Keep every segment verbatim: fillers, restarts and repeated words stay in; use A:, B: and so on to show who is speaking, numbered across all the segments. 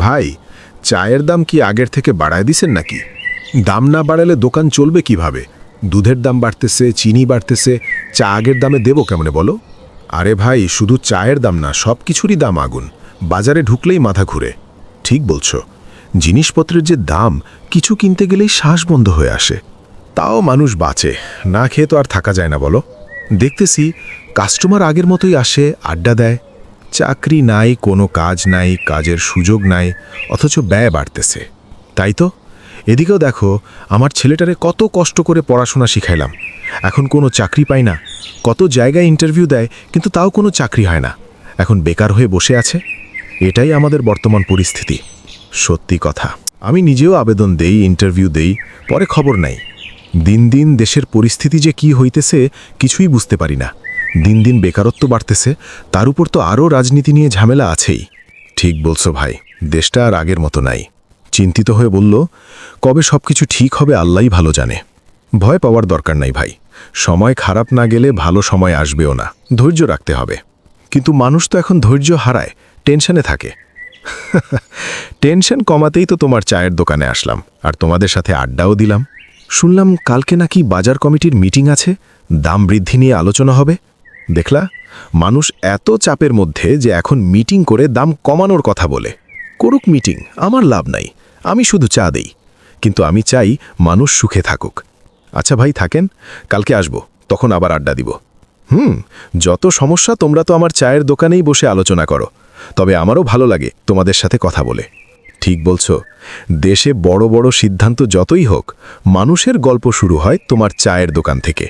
A: ভাই, চায়ের দাম কি আগের থেকে বাড়ায় দিছেন নাকি? দাম না বাড়ালে দোকান চলবে কিভাবে? দুধের দাম বাড়তেছে, চিনি বাড়তেছে, চা আগের দামে দেবো কেমনে বলো? আরে ভাই, শুধু চায়ের দাম না, সব কিছুরই দাম আগুন। বাজারে ঢুকলেই মাথা ঘুরে। ঠিক বলছো, জিনিসপত্রের যে দাম, কিছু কিনতে গেলেই শ্বাস বন্ধ হয়ে আসে। তাও মানুষ বাঁচে, না খেয়ে তো আর থাকা যায় না বলো। দেখতেছি কাস্টমার আগের মতোই আসে, আড্ডা দেয়। চাকরি নাই, কোনো কাজ নাই, কাজের সুযোগ নাই, অথচ ব্যয় বাড়তেছে। তাই তো এদিকেও দেখো, আমার ছেলেটারে কত কষ্ট করে পড়াশোনা শিখাইলাম, এখন কোনো চাকরি পাই না। কত জায়গায় ইন্টারভিউ দেয়, কিন্তু তাও কোনো চাকরি হয় না, এখন বেকার হয়ে বসে আছে। এটাই আমাদের বর্তমান পরিস্থিতি। সত্যি কথা, আমি নিজেও আবেদন দেই, ইন্টারভিউ দেই, পরে খবর নাই। দিন দিন দেশের পরিস্থিতি যে কি হইতেছে কিছুই বুঝতে পারি না। দিন দিন বেকারত্ব বাড়তেছে, তার উপর তো আরও রাজনীতি নিয়ে ঝামেলা আছেই। ঠিক বলছো ভাই, দেশটা আর আগের মতো নাই। চিন্তিত হয়ে বলল, কবে সব কিছু ঠিক হবে আল্লাহই ভালো জানে। ভয় পাওয়ার দরকার নাই ভাই, সময় খারাপ না গেলে ভালো সময় আসবেও না, ধৈর্য রাখতে হবে। কিন্তু মানুষ তো এখন ধৈর্য হারায়, টেনশনে থাকে। টেনশন কমাতেই তো তোমার চায়ের দোকানে আসলাম, আর তোমাদের সাথে আড্ডাও দিলাম। শুনলাম কালকে নাকি বাজার কমিটির মিটিং আছে, দাম বৃদ্ধি নিয়ে আলোচনা হবে। দেখলা, মানুষ এত চাপের মধ্যে যে এখন মিটিং করে দাম কমানোর কথা বলে। করুক মিটিং, আমার লাভ নাই, আমি শুধু চা দেই। কিন্তু আমি চাই মানুষ সুখে থাকুক। আচ্ছা ভাই, থাকেন, কালকে আসবো, তখন আবার আড্ডা দিব। হুম, যত সমস্যা তোমরা তো আমার চায়ের দোকানেই বসে আলোচনা করো, তবে আমারও ভালো লাগে তোমাদের সাথে কথা বলে। ঠিক বলছো, দেশে বড় বড় সিদ্ধান্ত যতই হোক, মানুষের গল্প শুরু হয় তোমার চায়ের দোকান থেকে।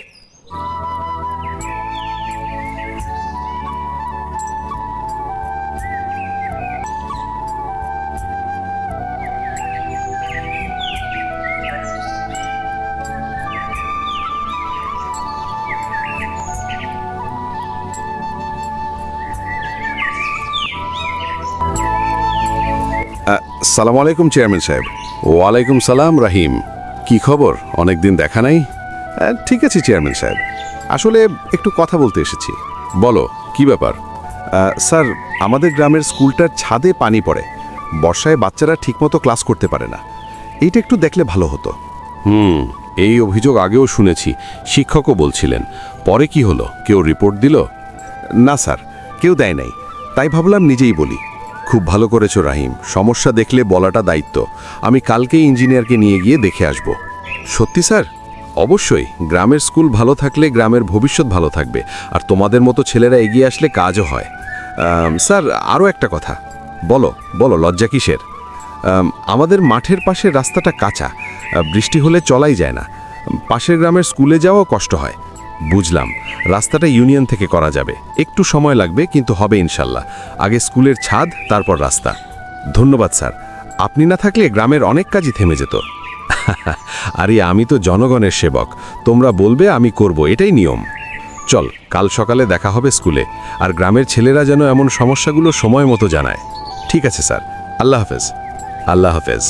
B: সালাম আলাইকুম চেয়ারম্যান সাহেব।
C: ওয়ালাইকুম সালাম রাহিম, কি খবর? অনেক দিন দেখা নাই।
B: আহ, ঠিক আছে চেয়ারম্যান সাহেব, আসলে একটু কথা বলতে এসেছি।
C: বলো, কি ব্যাপার?
B: আহ, স্যার, আমাদের গ্রামের স্কুলটার ছাদে পানি পড়ে, বর্ষায় বাচ্চারা ঠিকমতো ক্লাস করতে পারে না। এইটা একটু দেখলে ভালো হতো।
C: হুম, এই অভিযোগ আগেও শুনেছি, শিক্ষকও বলছিলেন। পরে কি হলো, কেউ রিপোর্ট দিল?
B: না স্যার, কেউ দেয় নাই, তাই ভাবলাম নিজেই বলি।
C: খুব ভালো করেছো রাহিম, সমস্যা দেখলে বলাটা দায়িত্ব। আমি কালকেই ইঞ্জিনিয়ারকে নিয়ে গিয়ে দেখে আসব।
B: সত্যি স্যার?
C: অবশ্যই, গ্রামের স্কুল ভালো থাকলে গ্রামের ভবিষ্যৎ ভালো থাকবে, আর তোমাদের মতো ছেলেরা এগিয়ে আসলে কাজও হয়।
B: আম, স্যার, আরও একটা কথা।
C: বলো বলো, লজ্জা কিসের?
B: আম, আমাদের মাঠের পাশের রাস্তাটা কাঁচা, আহ, বৃষ্টি হলে চলাই যায় না। পাশের গ্রামের স্কুলে যাওয়াও কষ্ট হয়।
C: বুঝলাম, রাস্তাটা ইউনিয়ন থেকে করা যাবে, একটু সময় লাগবে, কিন্তু হবে ইনশাল্লাহ। আগে স্কুলের ছাদ, তারপর রাস্তা।
B: ধন্যবাদ স্যার, আপনি না থাকলে গ্রামের অনেক কাজই থেমে যেত।
C: আরে আমি তো জনগণের সেবক, তোমরা বলবে আমি করব, এটাই নিয়ম। চল, কাল সকালে দেখা হবে স্কুলে, আর গ্রামের ছেলেরা যেন এমন সমস্যাগুলো সময় মতো জানায়।
B: ঠিক আছে স্যার, আল্লাহ হাফেজ।
C: আল্লাহ হাফেজ।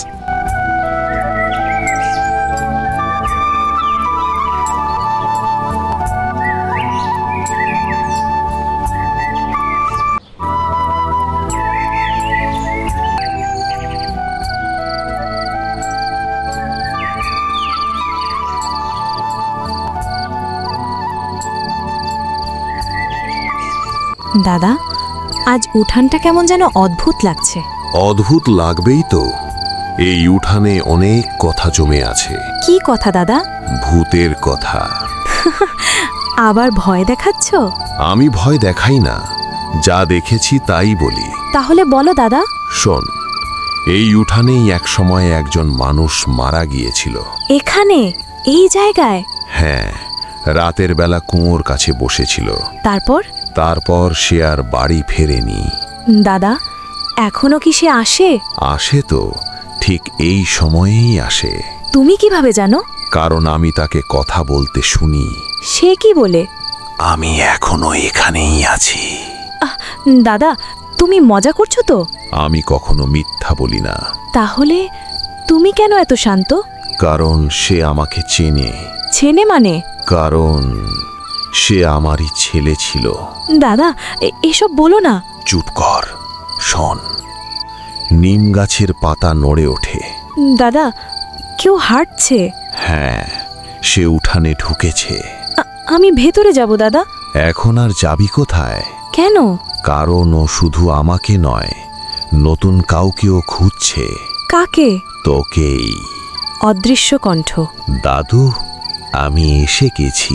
D: দাদা, আজ উঠানটা কেমন যেন অদ্ভুত লাগছে।
E: অদ্ভুত লাগবেই তো, এই উঠানে অনেক কথা জমে আছে।
D: কি কথা দাদা?
E: ভূতের কথা।
D: আবার ভয় দেখাচ্ছ?
E: আমি ভয় দেখাই না, যা দেখেছি তাই বলি।
D: তাহলে বলো দাদা।
E: শোন, এই উঠানেই এক সময় একজন মানুষ মারা গিয়েছিল।
D: এখানে, এই জায়গায়?
E: হ্যাঁ, রাতের বেলা কুয়োর কাছে বসেছিল।
D: তারপর?
E: তারপর সে আর বাড়ি ফেরেনি।
D: দাদা, এখনো কি সে আসে?
E: আসে তো, ঠিক এই সময়েই আসে।
D: তুমি কিভাবে জানো?
E: কারণ আমি তাকে কথা বলতে শুনি।
D: সে কি বলে?
E: আমি এখনো এখানেই আছি।
D: আহ, দাদা, তুমি মজা করছো তো?
E: আমি কখনো মিথ্যা বলি না।
D: তাহলে তুমি কেন এত শান্ত?
E: কারণ সে আমাকে চেনে।
D: চেনে মানে?
E: কারণ সে আমারই ছেলে ছিল।
D: দাদা, এ- এসব বলো না।
E: চুপ কর, শোন। নিম গাছের পাতা নড়ে ওঠে।
D: দাদা, কেউ হাঁটছে।
E: হ্যাঁ, সে উঠানে ঢুকেছে।
D: আ- আমি ভেতরে যাব দাদা।
E: এখন আর যাবি কোথায়?
D: কেন?
E: কারণ ও শুধু আমাকে নয়, নতুন কাউকেও খুঁজছে।
D: কাকে?
E: তোকেই।
D: অদৃশ্য কণ্ঠ।
E: দাদু, আমি এসে গেছি।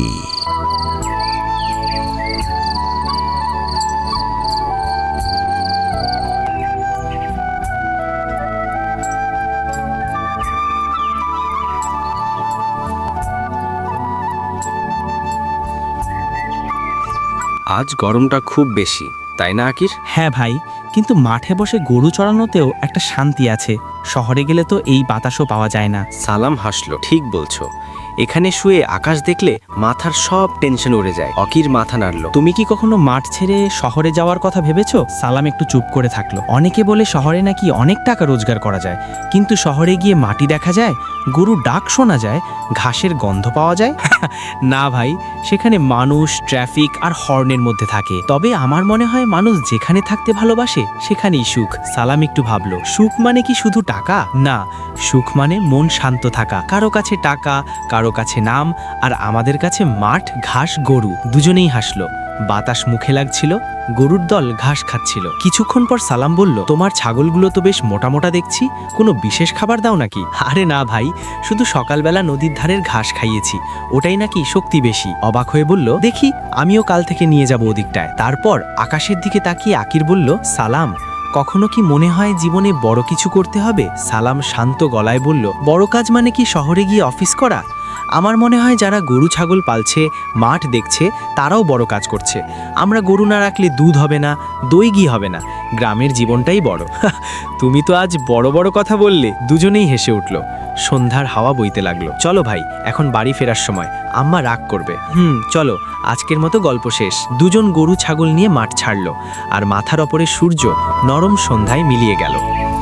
F: আজ গরমটা খুব বেশি, তাই না আকির?
G: হ্যাঁ ভাই, কিন্তু মাঠে বসে গরু চড়ানোতেও একটা শান্তি আছে। শহরে গেলে তো এই বাতাসও পাওয়া যায় না।
F: সালাম হাসলো। ঠিক বলছো, এখানে শুয়ে আকাশ দেখলে মাথার সব টেনশন উড়ে যায়। অকির মাথা নাড়লো।
G: তুমি কি কখনো মাঠ ছেড়ে শহরে যাওয়ার কথা ভেবেছো? সালাম একটু চুপ করে থাকলো। অনেকে বলে শহরে নাকি অনেক টাকা রোজগার করা যায়, কিন্তু শহরে গিয়ে মাটি দেখা যায়, গরুর ডাক শোনা যায়, ঘাসের গন্ধ পাওয়া যায়। না ভাই, সেখানে মানুষ, ট্রাফিক আর হর্নের মধ্যে থাকে। তবে আমার মনে হয় মানুষ যেখানে থাকতে ভালোবাসে সেখানেই সুখ। সালাম একটু ভাবলো, সুখ মানে কি শুধু টাকা? না, সুখ মানে মন শান্ত থাকা। কারো কাছে টাকা, কারো কাছে নাম, আর আমাদের কাছে মাঠ, ঘাস, গরু। দুজনেই হাসলো। বাতাস মুখে লাগছিল, গরুর দল ঘাস খাচ্ছিল। কিছুক্ষণ পর সালাম বলল, তোমার ছাগলগুলো তো বেশ মোটা মোটা দেখছি, কোনো বিশেষ খাবার দাও নাকি? আরে না ভাই, শুধু সকালবেলা নদীর ধারের ঘাস খাইয়েছি, ওটাই নাকি শক্তি বেশি। অবাক হয়ে বলল, দেখি আমিও কাল থেকে নিয়ে যাব ওদিকটায়। তারপর আকাশের দিকে তাকিয়ে আকির বলল, সালাম, কখনো কি মনে হয় জীবনে বড় কিছু করতে হবে? সালাম শান্ত গলায় বলল, বড় কাজ মানে কি শহরে গিয়ে অফিস করা? আমার মনে হয় যারা গরু ছাগল পালছে, মাঠ দেখছে, তারাও বড় কাজ করছে। আমরা গরু না রাখলে দুধ হবে না, দই ঘি হবে না, গ্রামের জীবনটাই বড়। তুমি তো আজ বড় বড় কথা বললে। দুজনেই হেসে উঠল। সন্ধ্যার হাওয়া বইতে লাগলো। চলো ভাই, এখন বাড়ি ফেরার সময়, আম্মা রাগ করবে। হুম, চলো, আজকের মতো গল্প শেষ। দুজন গরু ছাগল নিয়ে মাঠ ছাড়লো, আর মাথার ওপরে সূর্য নরম সন্ধ্যায় মিলিয়ে গেল।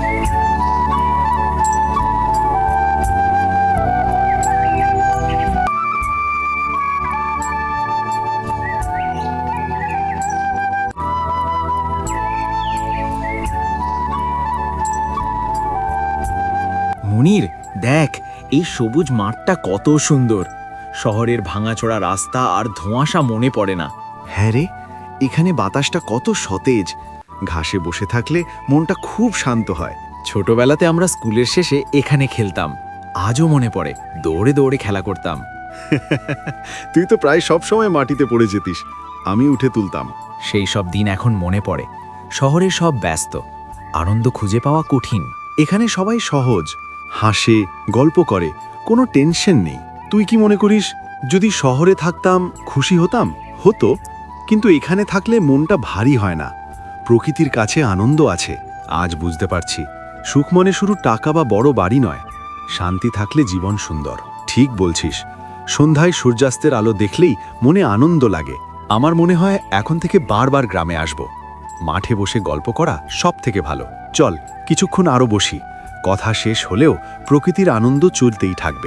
H: মুনির, দেখ এই সবুজ মাঠটা কত সুন্দর। শহরের ভাঙাচোরা রাস্তা আর ধোঁয়াশা মনে পড়ে না।
B: হ্যাঁ রে, এখানে বাতাসটা কত সতেজ। ঘাসে বসে থাকলে মনটা খুব শান্ত হয়।
H: ছোটবেলাতে আমরা স্কুলের শেষে এখানে খেলতাম, আজও মনে পড়ে। দৌড়ে দৌড়ে খেলা করতাম।
B: তুই তো প্রায় সব সময় মাটিতে পড়ে যেতিস, আমি উঠে তুলতাম।
H: সেই সব দিন এখন মনে পড়ে। শহরে সব ব্যস্ত, আনন্দ খুঁজে পাওয়া কঠিন।
B: এখানে সবাই সহজ, হাসে, গল্প করে, কোনো টেনশন নেই। তুই কি মনে করিস যদি শহরে থাকতাম খুশি হতাম? হতো, কিন্তু এখানে থাকলে মনটা ভারী হয় না। প্রকৃতির কাছে আনন্দ আছে। আজ বুঝতে পারছি, সুখ মনে শুধু টাকা বা বড় বাড়ি নয়, শান্তি থাকলে জীবন সুন্দর। ঠিক বলছিস, সন্ধ্যায় সূর্যাস্তের আলো দেখলেই মনে আনন্দ লাগে। আমার মনে হয় এখন থেকে বারবার গ্রামে আসব। মাঠে বসে গল্প করা সব থেকে ভালো। চল কিছুক্ষণ আরও বসি, কথা শেষ হলেও প্রকৃতির আনন্দ চলতেই থাকবে।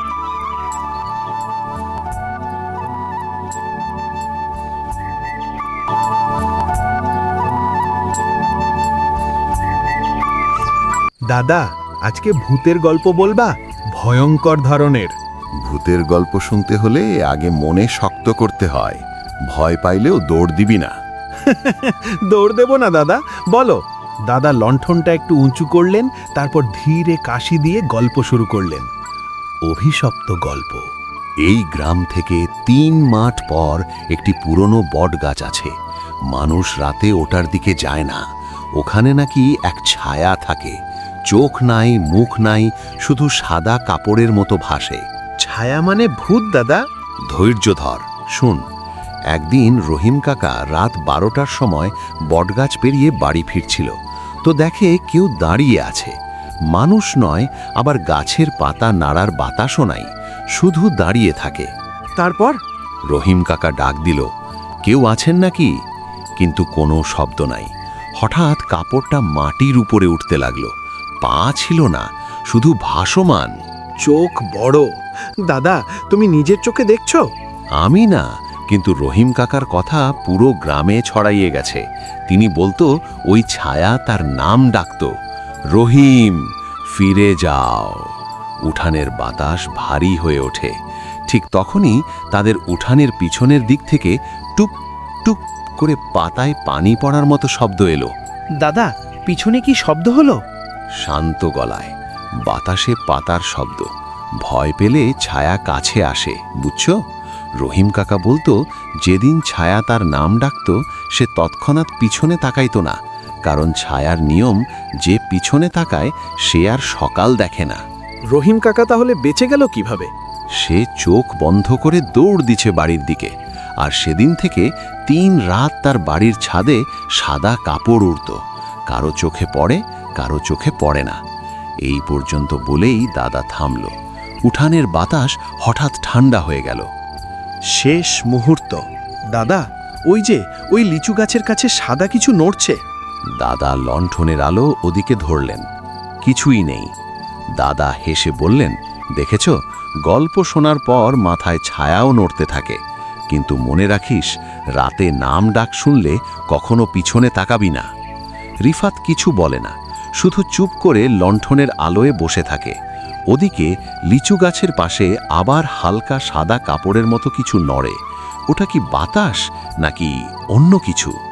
A: দাদা, আজকে ভূতের গল্প বলবা? ভয়ঙ্কর ধরনের।
E: ভূতের গল্প শুনতে হলে আগে মনে শক্ত করতে হয়। ভয় পাইলেও দৌড় দিবি না।
A: দৌড় দেব না দাদা, বলো। দাদা লণ্ঠনটা একটু উঁচু করলেন, তারপর ধীরে কাশি দিয়ে গল্প শুরু করলেন। অভিশপ্ত গল্প।
E: এই গ্রাম থেকে তিন মাঠ পর একটি পুরনো বট গাছ আছে। মানুষ রাতে ওটার দিকে যায় না। ওখানে নাকি এক ছায়া থাকে। চোখ নাই, মুখ নাই, শুধু সাদা কাপড়ের মতো ভাসে।
A: ছায়া মানে ভূত দাদা?
E: ধৈর্য ধর, শুন। একদিন রহিম কাকা রাত বারোটার সময় বটগাছ পেরিয়ে বাড়ি ফিরছিল, তো দেখে কেউ দাঁড়িয়ে আছে। মানুষ নয়, আবার গাছের পাতা নাড়ার বাতাসও নাই, শুধু দাঁড়িয়ে থাকে।
A: তারপর
E: রহিম কাকা ডাক দিল, কেউ আছেন নাকি? কিন্তু কোনো শব্দ নাই। হঠাৎ কাপড়টা মাটির উপরে উঠতে লাগলো। পা ছিল না, শুধু ভাসমান।
A: চোখ বড়। দাদা, তুমি নিজের চোখে দেখছো?
E: আমি না, কিন্তু রহিম কাকার কথা পুরো গ্রামে ছড়াইয়ে গেছে। তিনি বলতো ওই ছায়া তার নাম ডাকত। রহিম ফিরে যাও। উঠানের বাতাস ভারী হয়ে ওঠে। ঠিক তখনই তাদের উঠানের পিছনের দিক থেকে টুপ টুপ করে পাতায় পানি পড়ার মতো শব্দ এলো।
G: দাদা, পিছনে কি শব্দ হলো?
E: শান্ত গলায়, বাতাসে পাতার শব্দ। ভয় পেলে ছায়া কাছে আসে, বুঝছো? রহিম কাকা বলতো, যেদিন ছায়া তার নাম ডাকত সে তৎক্ষণাৎ পিছনে তাকাইতো না, কারণ ছায়ার নিয়ম, যে পিছনে তাকায় সে আর সকাল দেখে না।
B: রহিম কাকা তাহলে বেঁচে গেল কিভাবে?
E: সে চোখ বন্ধ করে দৌড় দিছে বাড়ির দিকে, আর সেদিন থেকে তিন রাত তার বাড়ির ছাদে সাদা কাপড় উড়ত। কারো চোখে পড়ে, কারো চোখে পড়ে না। এই পর্যন্ত বলেই দাদা থামল। উঠানের বাতাস হঠাৎ ঠান্ডা হয়ে গেল।
B: শেষ মুহূর্ত। দাদা, ওই যে ওই লিচু গাছের কাছে সাদা কিছু নড়ছে।
E: দাদা লণ্ঠনের আলো ওদিকে ধরলেন। কিছুই নেই। দাদা হেসে বললেন, দেখেছ, গল্প শোনার পর মাথায় ছায়াও নড়তে থাকে, কিন্তু মনে রাখিস, রাতে নাম ডাক শুনলে কখনো পিছনে তাকাবি না। রিফাত কিছু বলে না, শুধু চুপ করে লণ্ঠনের আলোয় বসে থাকে। ওদিকে লিচু গাছের পাশে আবার হালকা সাদা কাপড়ের মতো কিছু নড়ে। ওটা কি বাতাস নাকি অন্য কিছু?